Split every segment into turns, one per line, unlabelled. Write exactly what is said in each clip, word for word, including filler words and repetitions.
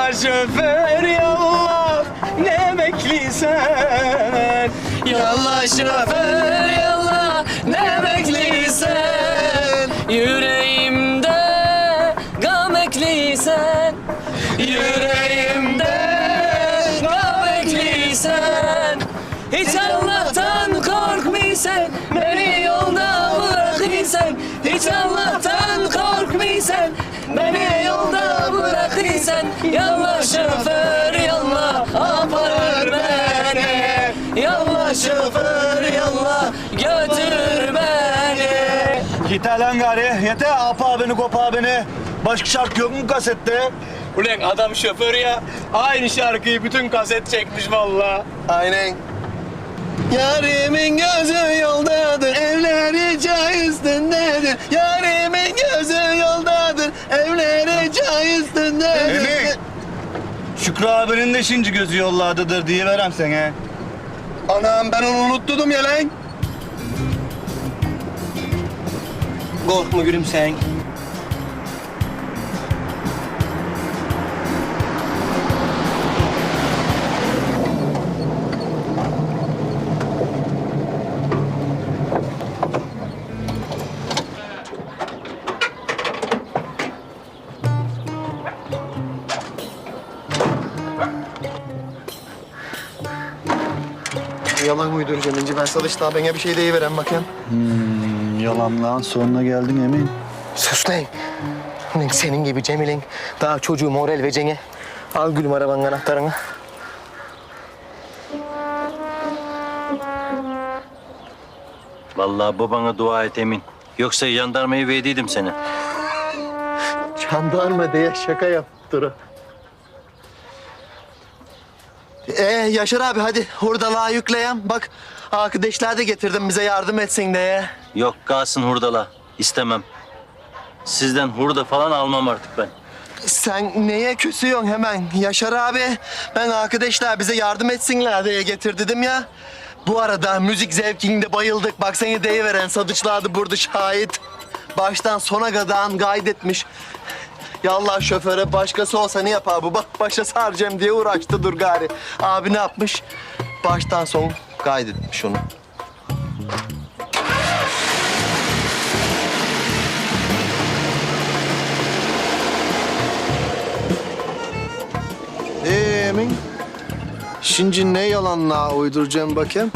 Yallah şoför yallah, ne bekliysen. Yallah şoför yallah, ne bekliysen. Yüreğimde gam ekliysen. Yüreğimde gam ekliysen. Hiç Allah'tan korkmaysan, beni yolda bırakırsan. Hiç Allah'tan korkmaysan, beni yolda bırakırsan. Yallah şoför yallah, aparır beni. Yallah şoför yallah, götür beni.
Yeter lan gari, yeter. Apa beni, kopa beni. Başka şarkı yok mu kasette?
Ulan adam şoför ya, aynı şarkıyı bütün kaset çekmiş vallahi.
Aynen. Yarimin gözü yoldadır, evleri çay üstündedir. Yarimin gözü yoldadır, evleri çay üstündedir. Emin. Şükrü abinin de şimdi gözü yollardadır diye verem sana. Anam ben onu unuttum ya lan.
Korkma gülüm sen.
Yalan uyduracağım İnci. Ben sana işte bana bir şey deyiverem bakayım.
Hmm, yalanlağın sonuna geldin Emin.
Sus lan. Ulan senin gibi Cemil'in daha çocuğu moral vereceğine. Al gülüm arabanın anahtarını.
Vallahi babana dua et Emin. Yoksa jandarmayı verdiydim seni.
Jandarma diye şaka yaptı o. Ee Yaşar abi hadi hurdalığa yükleyen. Bak arkadaşlar da getirdim bize yardım etsin diye.
Yok kalsın hurdala. İstemem. Sizden hurda falan almam artık ben.
Sen neye küsüyorsun hemen Yaşar abi? Ben arkadaşlar bize yardım etsinler diye getir dedim ya. Bu arada müzik zevkinde bayıldık. Bak seni deyiveren sadıçlardı burada şahit. Baştan sona kadar kaydetmiş. Yallah şoföre başkası olsa ne yapar bu? Bak başa saracağım diye uğraştı dur gari. Abi ne yapmış? Baştan son kaydetmiş onu.
Ee Emin? Şimdi ne yalanla uyduracağım bakayım?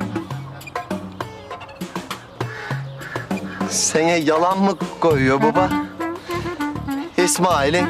Sana yalan mı koyuyor baba? İsmail'in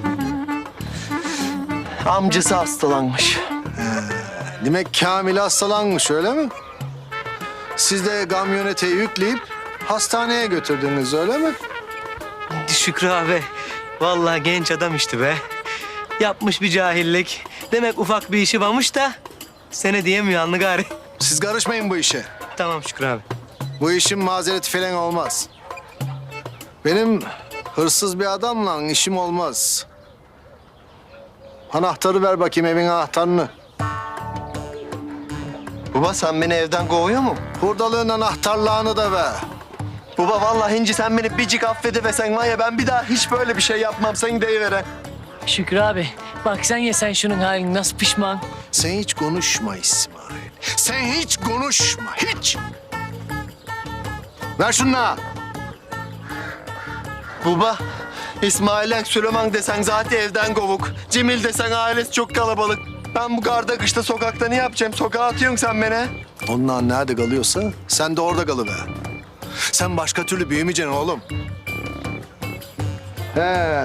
amcası hastalanmış.
Demek Kamil hastalanmış öyle mi? Siz de kamyonete yükleyip hastaneye götürdünüz öyle mi?
Şükrü abi, vallahi genç adam işte be. Yapmış bir cahillik. Demek ufak bir işi varmış da sene diyemiyor anlı gari.
Siz karışmayın bu işe.
Tamam Şükrü abi.
Bu işin mazereti falan olmaz. Benim hırsız bir adamla işim olmaz. Anahtarı ver bakayım, evin anahtarını.
Baba sen beni evden kovuyor mu?
Hurdalığın anahtarlığını da ver.
Baba vallahi Hinci sen beni biricik affedivesen var ya ben bir daha hiç böyle bir şey yapmam seni deyiveren.
Şükrü abi, bak sen ye sen şunun halini nasıl pişman.
Sen hiç konuşma İsmail. Sen hiç konuşma, hiç. Ver şunu.
Baba İsmail'e Süleyman desen zaten evden kovuk. Cemil desen ailesi çok kalabalık. Ben bu garda kışta sokakta ne yapacağım? Sokağa atıyorsun sen beni.
Onlar nerede kalıyorsa sen de orada kalıver. Sen başka türlü büyümeyeceksin oğlum. He.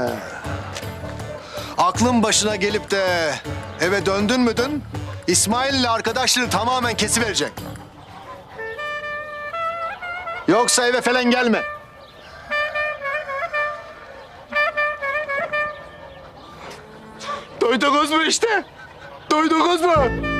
Aklın başına gelip de eve döndün müdün? İsmail ile arkadaşları tamamen kesiverecek. Yoksa eve falan gelme.
Duydunuz mu işte? Duydunuz mu?